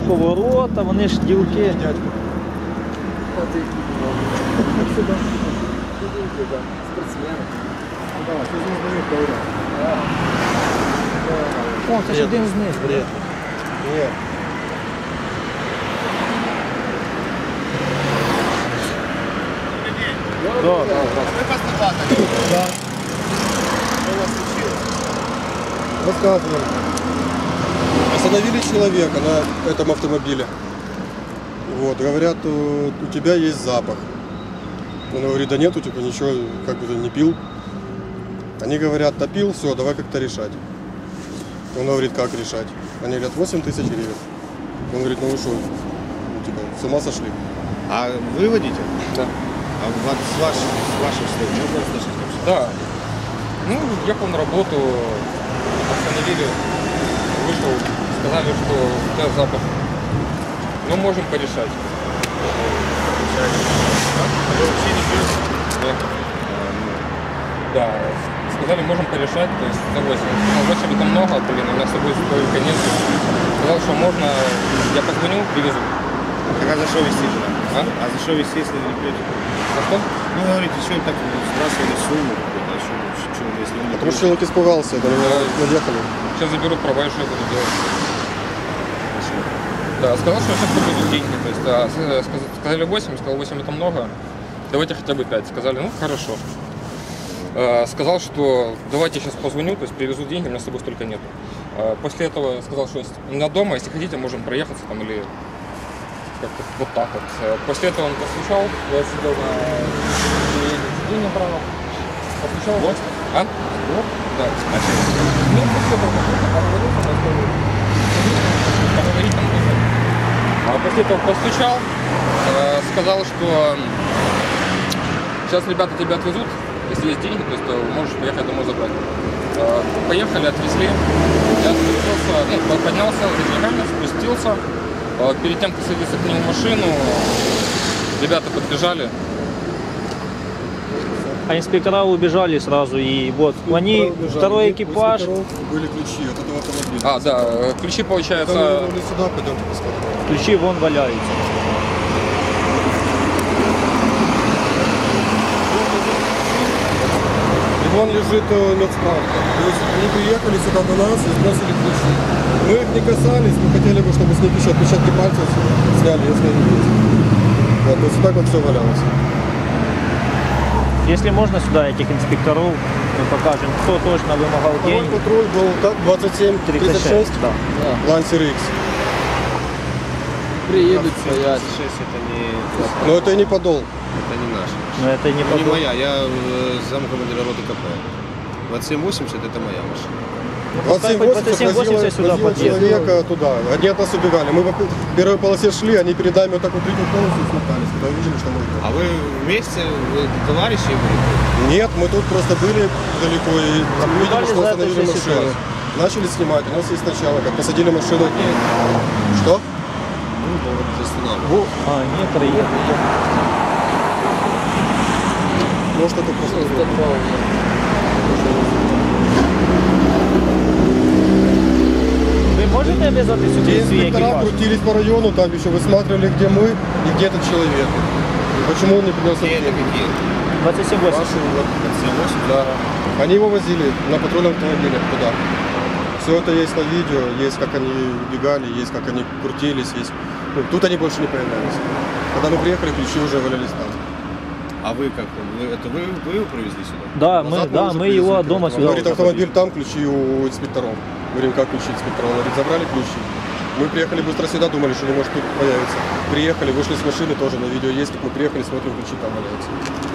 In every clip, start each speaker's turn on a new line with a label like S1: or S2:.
S1: поворота, вони ж ділки. О, це ж один з них.
S2: Бред. Нет.
S1: Да.
S2: Да. Что у вас случилось? Рассказываем. Остановили человека на этом автомобиле. Вот, говорят, у тебя есть запах. Он говорит, да нет, у тебя ничего, как бы ты не пил. Они говорят, да пил, все, давай как-то решать. Он говорит, как решать? Они говорят, 8 тысяч гривен. Он говорит, ну вы что, типа, с ума сошли?
S3: А вы водитель?
S2: Да.
S3: А вот с ваших слов можно услышать?
S4: Да. Ну, ехал на работу, остановили, вышел, сказали, что у тебя запах. Ну, можем порешать.
S3: Вы вообще не пьете?
S4: Да. Да. Сказали, можем порешать, то есть за 8. Ну, 8 это много, блин, у меня с собой столько нет. Сказал, что можно, я позвоню, привезу.
S3: Так а за что вести туда?
S4: А?
S3: А за что вести, если вы не пьете?
S4: За что?
S3: Ну, говорите, что им так сбрасывали сумму какую-то, а что, если вы не
S2: Потому что
S3: пьете?
S2: человек испугался, это наехали.
S4: Сейчас заберут права, и что я буду делать? Да, сказал, что сейчас будут деньги. То есть, сказали 8, сказал 8 это много, давайте хотя бы 5. Сказали, ну хорошо. Сказал, что давайте сейчас позвоню, то есть привезу деньги, у меня с собой столько нет. После этого сказал, что у меня дома, если хотите, можем проехаться там или как-то вот так вот. После этого он постучал, я сидел на сиденье направо, постучал. Вот. А? Вот? Да. Ну, после этого поговорить там тоже. После этого постучал, сказал, что сейчас ребята тебя отвезут, если есть деньги, то есть можешь поехать домой забрать. Поехали, отвезли, я спустился, ну, поднялся за деньгами, спустился. Перед тем, как садиться к нему в машину, ребята подбежали.
S1: А инспектора убежали сразу, и вот они, второй экипаж.
S2: Были ключи от этого автомобиля.
S4: А, да, ключи, получается...
S2: Сюда пойдемте посмотрим.
S1: Ключи вон валяются.
S2: И вон лежит медсправка. То есть они приехали сюда до нас и сбросили ключи. Мы их не касались, мы хотели бы, чтобы с них еще отпечатки пальцев сняли, если они есть. Вот, то есть вот так вот все валялось.
S1: Если можно сюда этих инспекторов, мы покажем, кто точно вымогал
S2: Второй
S1: деньги.
S2: патруль был так, 2736,
S1: Да.
S2: Лансер X.
S5: Приедут, стоят.
S3: 6 это не...
S2: Но это и не подол.
S3: Это не наш.
S1: Но это не
S3: Не
S1: подол.
S3: моя, я замкомандира роты КП. 2780 это моя машина.
S1: 2780 сюда
S2: возила
S1: подъедет.
S2: человека туда. Они от нас убегали. Мы по первой полосе шли, они перед нами вот так вот третью полосу смотались, когда увидели, что мы идем.
S3: А вы вместе, вы товарищи были?
S2: Нет, мы тут просто были далеко и увидели, что
S1: за
S2: остановили
S1: этой
S2: машину.
S1: ситуацией.
S2: Начали снимать, у нас есть сначала, как посадили машину. Что?
S3: Ну, уже останавливали.
S1: А, нет, приехали.
S2: Может, это просто...
S1: Вы можете обязать
S2: Те
S1: сюда свой
S2: инспектора
S1: экипаж?
S2: крутились по району, там еще высматривали, где мы и где этот человек. И почему он не принес
S3: Какие это какие?
S1: 2780.
S2: Вашу, вот.
S3: 2780?
S2: Да. Они его возили на патрульном автомобиле туда. Все это есть на видео, есть как они убегали, есть как они крутились, есть. Ну, тут они больше не появлялись. Когда мы приехали, ключи уже валялись там.
S3: А вы как? Вы его привезли сюда?
S1: Да,
S2: Назад
S1: мы,
S2: уже
S1: мы
S2: привезли
S1: его от
S2: к
S1: дома
S2: этому.
S1: сюда.
S2: Говорит,
S1: уже
S2: автомобиль там, ключи у инспекторов. Говорим, как ключи инспекторов? Он говорит, забрали ключи. Мы приехали быстро сюда, думали, что не может тут появиться. Приехали, вышли с машины, тоже на видео есть, как мы приехали, смотрим, ключи там валяются.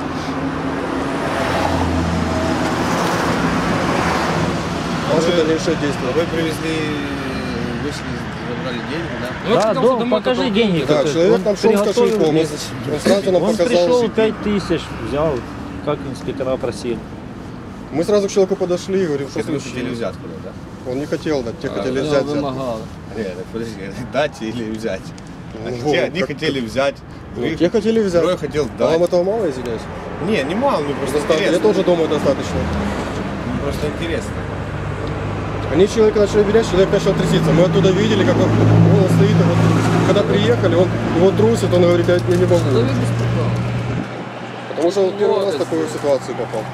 S2: Наши дальнейшие действия.
S3: Вы привезли, вы забрали деньги, да?
S4: Ну,
S1: Да,
S4: сказал,
S1: дом,
S4: домой
S1: покажи
S4: только
S1: деньги.
S2: Да,
S1: Он
S2: человек там шел с
S1: приготовил
S2: кошельком.
S1: мне.
S2: Он сразу нам
S1: Он
S2: показал.
S1: пришел 5000, взял, как инспектора просили.
S2: Мы сразу к человеку подошли и говорим, что
S3: Это вы хотели
S2: случилось.
S3: взятку, да?
S2: Он не хотел дать, те хотели
S5: Я
S2: взять. взятку.
S5: вымогал.
S3: Нет, так подожди, дать или взять?
S2: Ну,
S3: Одни
S2: как-
S3: хотели взять, другие
S2: Те хотели взять.
S3: Трое хотел
S2: А вам
S3: дать.
S2: этого мало, извиняюсь?
S3: Не, не мало, мне просто
S2: Достаточно. Я
S3: интересно.
S2: тоже думаю, достаточно.
S3: Мне просто интересно.
S2: Они человека начали беречь, человек начал тряситься. Мы оттуда видели, как он стоит и вот когда приехали, его трусит, он говорит, я не могу.
S5: Человек без права.
S2: Потому что он первый раз в
S5: Молодость.
S2: такую ситуацию попал.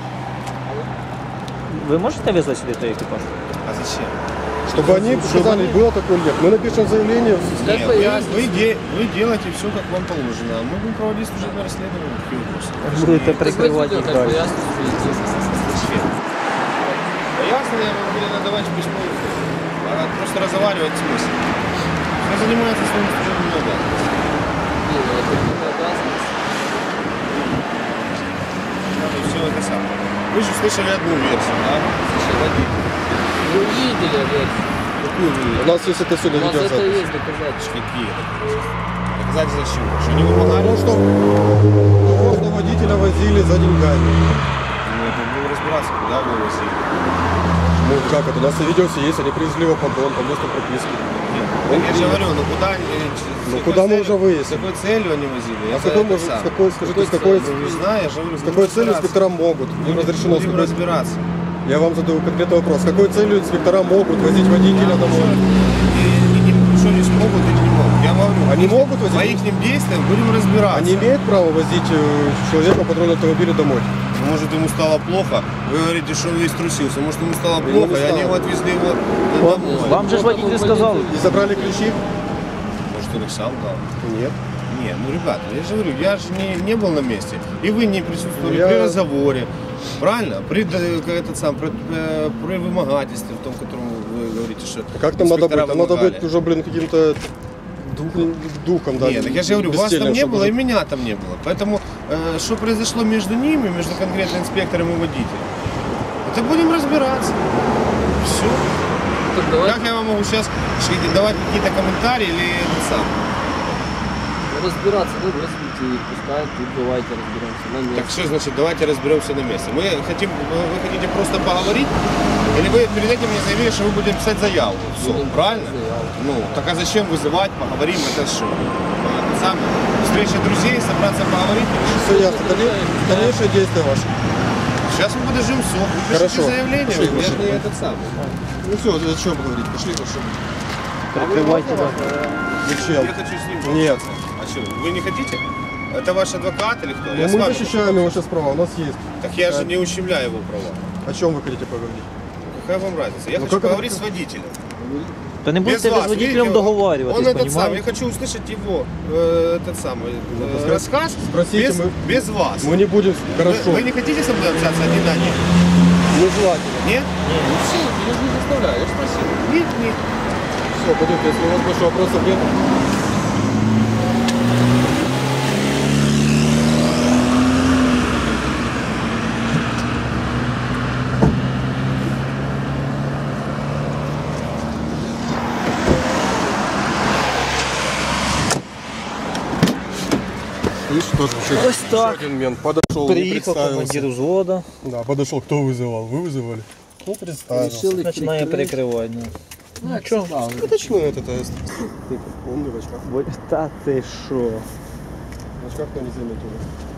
S1: Ви можете визвати сюди той екіпаж?
S3: А зачем?
S2: Чтобы они сказали, было такое нет. Мы напишем заявление.
S5: Как
S3: Нет,
S5: пояснить?
S3: вы делаете все, как вам положено. А мы будем проводить служебное расследование. Какие вопросы?
S1: Будете прикривати їх
S5: Как
S1: далі.
S5: пояснить свои действия.
S3: Зачем? Да ясно, я вам буду надавать письмо. А просто разговаривать в смысле. Кто занимается своими служебными обязанностями?
S5: Не, ну это не обязанность.
S3: Все это самое. Вы же слышали одну версию, да?
S5: Слушай, водитель. Вы увидели версию.
S3: Какую вы?
S2: У нас есть это все
S5: У нас это
S2: видеозапись.
S5: есть доказательства.
S3: Какие доказательства? Доказательства чего? Что не вымогали?
S2: Потому что можно водителя возили за деньгами.
S3: Ну, это будем разбираться, куда вы возили.
S2: Ну как это? У нас на видео все есть, они привезли его поддон по месту прописки.
S3: Я же говорю, ну куда они...
S2: Ну, куда мы уже
S3: С
S2: выяснили?
S3: какой целью они возили?
S2: А с какой, с какой, скажите, с какой,
S3: Ну, не знаю, я же говорю,
S2: с какой целью инспектора могут? Им разрешено с
S3: будем
S2: какой...
S3: разбираться.
S2: Я вам задаю конкретный вопрос. С какой целью инспектора могут возить водителя домой?
S3: Что не смогут или не могут? Я говорю,
S2: Они могут возить?
S3: по их действиям будем разбираться.
S2: Они имеют право возить человека в патрульном автомобиле домой?
S3: Может, ему стало плохо, вы говорите, что он весь трусился. Может, ему стало
S2: Ему
S3: плохо,
S2: не
S3: и они
S2: стало.
S3: его отвезли его домой.
S1: Вам же ж водитель сказав.
S2: И забрали ключи?
S3: Может, он их сам дал?
S2: Нет.
S3: Нет, ну, ребята, я же говорю, я же не был на месте. И вы не присутствовали
S2: Я-
S3: при разговоре. Правильно? При вымогательстве в том, котором вы говорите, что
S2: А как там надо быть?
S3: инспектора
S2: Там надо
S3: вымогали.
S2: быть уже, блин, каким-то духом, да.
S3: Нет, так я же говорю, вас
S2: бесцельным,
S3: там не
S2: чтобы
S3: было, и
S2: жить.
S3: меня там не было. Поэтому, что произошло между ними, между конкретно инспектором и водителем, это будем разбираться. Все.
S5: Так давайте
S3: Как я вам могу сейчас давать какие-то комментарии или это сам?
S5: разбираться, да, вызвать и пускай, тут давайте разберемся на месте.
S3: Так что значит, давайте разберемся на месте. Вы хотите просто поговорить? Или вы перед этим мне заявили, что вы будете писать заяву? Все,
S5: Будем
S3: правильно?
S5: писать заяву.
S3: Ну, так а зачем вызывать, поговорим, это что? Сам встреча друзей, собраться поговорить?
S2: Все ясно. Дальнейшие действия ваши.
S3: Сейчас мы подождем все.
S2: Хорошо.
S3: Заявление,
S2: Пошли,
S3: я
S2: пошли.
S3: же не этот самый.
S2: Ну все, о чем поговорить? Пошли, пошли.
S1: Прикривайте.
S2: Зачем?
S3: Я хочу с ним
S2: Нет.
S3: пообщаться. А что, вы не хотите? Это ваш адвокат или кто?
S2: Ну,
S3: Я с
S2: мы
S3: вами.
S2: защищаем его сейчас права, у нас есть.
S3: Так я же не ущемляю его права.
S2: О чем вы хотите поговорить?
S3: Какая вам разница? Я
S2: Ну,
S3: хочу
S2: как это-
S3: поговорить с водителем.
S1: Та не будете ви з водителем
S3: Он
S1: договарюватись,
S3: этот самый, я
S1: понімаєте?
S3: хочу услышать его этот самый
S2: пускай
S3: рассказ
S2: спросите,
S3: без,
S2: мы-
S3: без вас.
S2: Мы не будем, хорошо,
S3: Вы не хотите со мной общаться один на один?
S2: нежелательно.
S3: Нет?
S5: Ну все, я же не заставляю, я же спросил.
S3: Нет, нет.
S2: Все, пойдемте, если у вас больше вопросов нет. Видишь, тоже еще
S1: Ось так.
S2: один мент подошел, не
S1: Приїхав
S2: представился.
S1: командир взвода,
S2: Да, подошел, кто вызывал? Вы вызывали? Ну, представился.
S5: Решили
S1: починає перекривати.
S5: Ну, як завжди.
S2: Это что это тест? Он не в очках.
S1: Та ти що?
S2: В очках кто не заметил.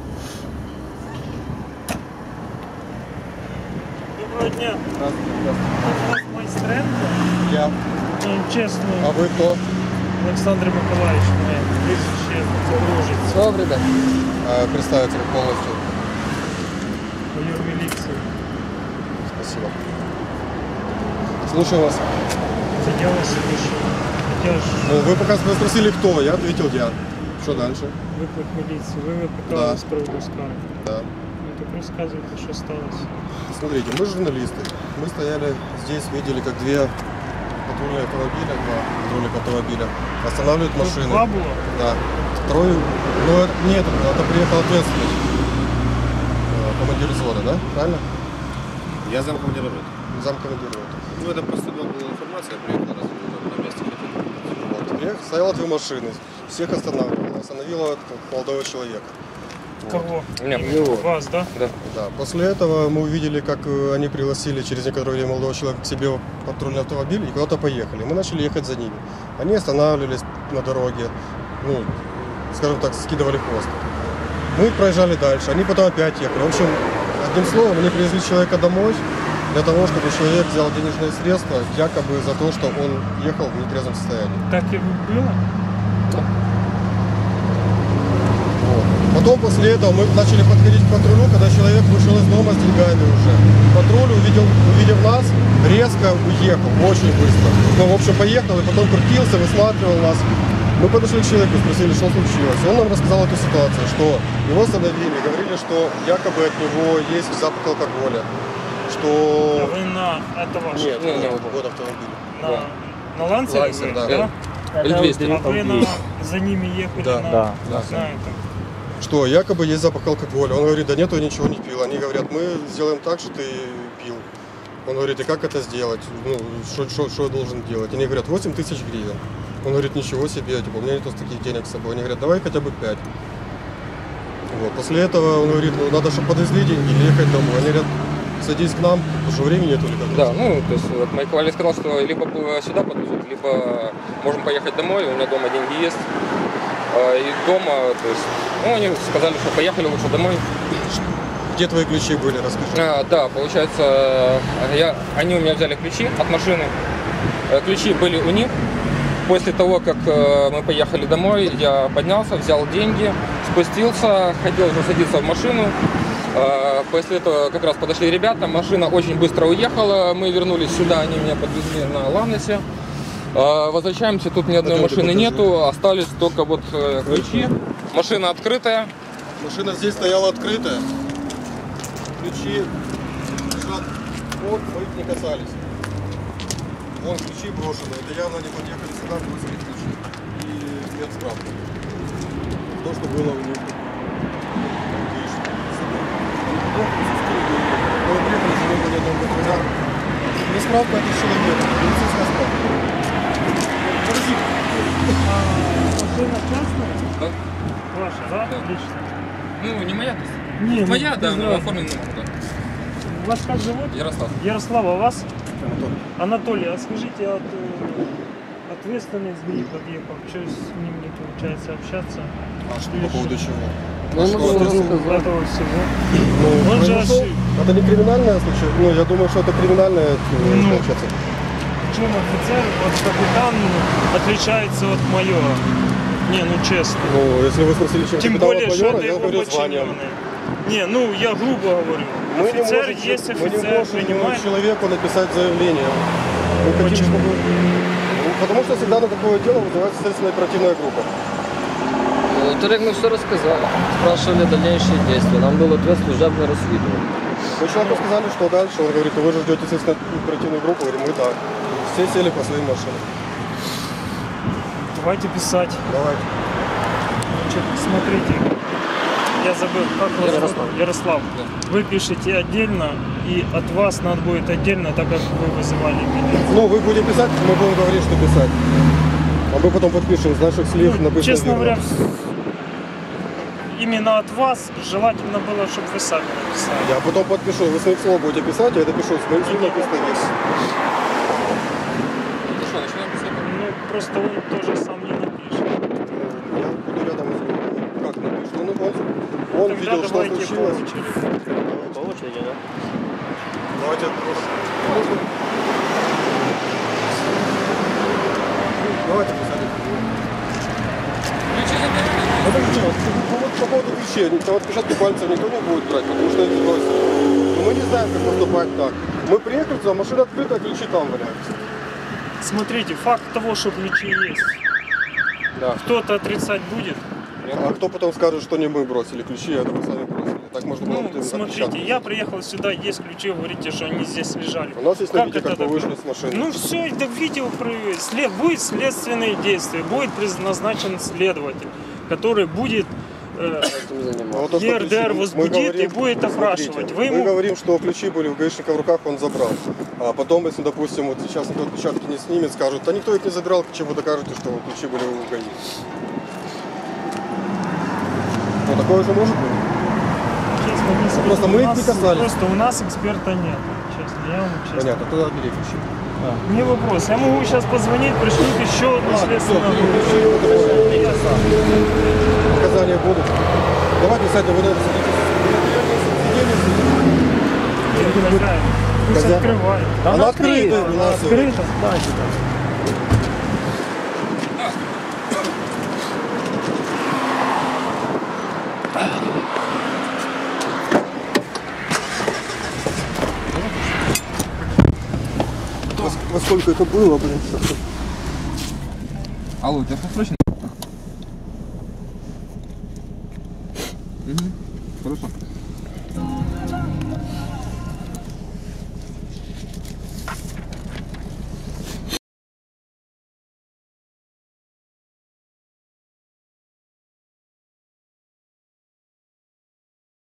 S6: Доброго дня.
S2: Здравствуйте.
S6: Майстренко.
S2: Я.
S6: Ну, чесно,
S2: А вы кто?
S6: Олександр Миколаївич, моє прізвище дружиться.
S5: Добрий день.
S2: Представиться полностью.
S6: Майор міліції.
S2: Спасибо. Слушаю вас.
S6: Це я вас слышу. Хоча ж
S2: Ну, вы пока спросили, кто, я ответил я. Что дальше?
S6: виклик міліції. Ви
S2: Да.
S6: викликали з приводу скарги.
S2: Да.
S6: Ну так розказуйте, що сталося.
S2: Смотрите, мы журналисты. Мы стояли здесь, видели, как две патрульные автомобиля, два патрульных автомобиля останавливают
S6: Тут
S2: машины.
S6: два було?
S2: Да. Второй, ну нет, это приехал ответственный. Командир взвода, да? Правильно?
S3: Я замкомандира роты.
S2: Замкомандира.
S3: Ну, это просто была информация, я приехал на месте.
S2: Вот. Стояло две машины. Всех останавливало. Остановило молодого человека.
S6: Кого?
S4: Меня.
S6: Вас, да?
S2: Да. После этого мы увидели, как они пригласили через некоторое время молодого человека к себе в патрульный автомобиль и куда-то поехали. Мы начали ехать за ними. Они останавливались на дороге, ну, скажем так, скидывали хвост. Мы проезжали дальше, они потом опять ехали. В общем, одним словом, они привезли человека домой для того, чтобы человек взял денежные средства, якобы за то, что он ехал в нетрезвом состоянии.
S6: Так і було?
S2: Потом после этого мы начали подходить к патрулю, когда человек вышел из дома с деньгами уже. Патруль, увидев нас, резко уехал, очень быстро. Ну, в общем, поехал и потом крутился, высматривал нас. Мы подошли к человеку, спросили, что случилось. Он нам рассказал эту ситуацию, что его остановили, говорили, что якобы от него есть запах алкоголя. Что...
S6: Вы на это ваше?
S2: Нет,
S4: нет,
S2: вот автомобиль.
S6: На Ланцере?
S2: Лансер, да.
S6: Да?
S4: L200.
S6: А вы за ними ехали
S2: Да.
S6: на...
S1: Да.
S6: на этом?
S2: Что якобы есть запах алкоголя. Он говорит, да нет, я ничего не пил. Они говорят, мы сделаем так, что ты пил. Он говорит, и как это сделать? Ну, что я должен делать? Они говорят, 8 тысяч гривен. Он говорит, ничего себе, типа, у меня нет таких денег с собой. Они говорят, давай хотя бы 5. Вот. После этого он говорит, ну надо, чтобы подвезли деньги или ехать домой. Они говорят, садись к нам, потому что времени нету или как.
S4: Да, ну, то есть вот Майкл Валли сказал, что либо сюда подвезут, либо можем поехать домой, у меня дома деньги есть. И дома, то есть, ну, они сказали, что поехали лучше домой.
S2: Где твои ключи были, расскажи.
S4: Да, получается, они у меня взяли ключи от машины. Ключи были у них. После того, как мы поехали домой, я поднялся, взял деньги, спустился, хотел уже садиться в машину. После этого как раз подошли ребята, машина очень быстро уехала, мы вернулись сюда, они меня подвезли на Ланесе. Возвращаемся, тут ни одной машины нету, остались только вот ключи. Машина открытая.
S2: Машина здесь стояла открытая. Ключи лежат, вот, мы их не касались. Вон ключи брошены, это явно не подъехали сюда, бросили ключи. И нет справки. То, что было у них. Мы приехали, что не было ни одного патруля. Не справка, это человек, медицинская справка. Подожди.
S6: Машина частная?
S4: Да?
S6: Ваша, да?
S4: Да.
S6: Лично?
S4: Ну, не моя,
S6: Не,
S4: моя,
S6: ну,
S4: да,
S6: без
S4: но
S6: разницы.
S4: оформлен номер, да.
S6: Вас как зовут?
S4: Ярослав.
S6: Ярослав, а вас? Анатолий, а скажите, ответственный СГИ подъехал, что с ним не получается общаться?
S2: А что по поводу чего?
S5: Ну,
S2: Что
S5: ну,
S2: ответственно?
S6: Этого всего.
S2: Ну,
S6: Он же
S2: произошел. Это не криминальное случай. Ну, я думаю, что это криминальное получается.
S6: Чем офицер, вот капитан отличается от майора? Не, ну честно.
S2: Ну, если вы спросили, чем
S6: Тем
S2: капитана
S6: более, что
S2: майора,
S6: это
S2: я
S6: его
S2: говорю званием.
S6: подчиненные. Не, ну я грубо говорю.
S2: Мы не
S6: Офицер
S2: можем,
S6: есть
S2: мы не
S6: офицер,
S2: можем
S6: принимает.
S2: человеку написать заявление. Мы хотим,
S6: Почему?
S2: чтобы... Ну, потому что всегда на такое дело вызывается следственная оперативная группа.
S5: Тарик, мы все рассказали. Спрашивали дальнейшие действия. Нам был ответ служебное расследование.
S2: Мы человеку сказали, что дальше. Он говорит, вы же ждете следственную оперативную группу. Говорим, мы да. Все сели по своим машинам.
S6: Давайте писать.
S2: Давайте.
S6: Значит, смотрите, я забыл, как вас зовут? Ярослав. Вы пишете отдельно, и от вас надо будет отдельно, так как вы вызывали меня.
S2: Ну, вы будете писать, мы будем говорить, что писать. А мы потом подпишем с наших слив,
S6: Ну,
S2: написано
S6: честно
S2: верно.
S6: говоря, именно от вас желательно было, чтобы вы сами написали.
S2: Я потом подпишу, вы своих слов будете писать, я допишу, с моих слов написано есть.
S4: Ну что, начинаем писать?
S6: Ну, просто он тоже сам не напишет.
S2: Я буду рядом с ним. Как напишет? Он
S6: Тогда
S2: видел, что
S6: давайте
S2: случилось.
S6: по очереди.
S1: По очереди, да?
S2: Давайте просто. Давайте писать.
S4: Ключи забирали?
S2: Подожди, вот по поводу ключей, там отпечатки пальцев никто не будет брать, потому что их бросили. Но мы не знаем, как поступать так. Мы приехали туда, машина открыта, ключи там валяются.
S6: Смотрите, факт того, что ключи есть.
S2: Да.
S6: Кто-то отрицать будет?
S2: А кто потом скажет, что не мы бросили ключи, а это вы сами бросили. Так можно было
S6: Ну,
S2: бы
S6: смотрите,
S2: отпечатки.
S6: я приехал сюда, есть ключи, вы говорите, что они здесь лежали.
S2: У нас есть на видео,
S6: это
S2: как вы
S6: так?
S2: вышли с машины.
S6: Ну все, это видео будет следственные действия, будет назначен следователь, который будет
S5: Этим заниматься.
S2: А вот то, что
S6: ЕРДР
S2: ключи, мы
S6: возбудит
S2: говорим,
S6: и будет
S2: смотрите,
S6: опрашивать. Вы
S2: Мы
S6: ему...
S2: говорим, что ключи были у гаишника в руках, он забрал. А потом, если, допустим, вот сейчас никто отпечатки не снимет, скажут, а никто их не забирал, чем вы докажете, что ключи были у ГАИ. Ну, такое же может быть.
S6: Честно, не скажу,
S2: Просто мы
S6: у
S2: их
S6: нас-
S2: не касались.
S6: Просто у нас эксперта нет, честно, я вам честно.
S2: Понятно, тогда бери ключи.
S6: Не вопрос, я могу сейчас позвонить, пришлют еще одну следственную группу.
S2: Показания будут. Давайте, кстати, вы наверное,
S6: Хозяин, пусть
S2: Хозяин.
S6: открывает.
S2: Она открыта.
S6: Открыто? Да,
S2: сколько это было, блин.
S4: Алло, у тебя что срочно?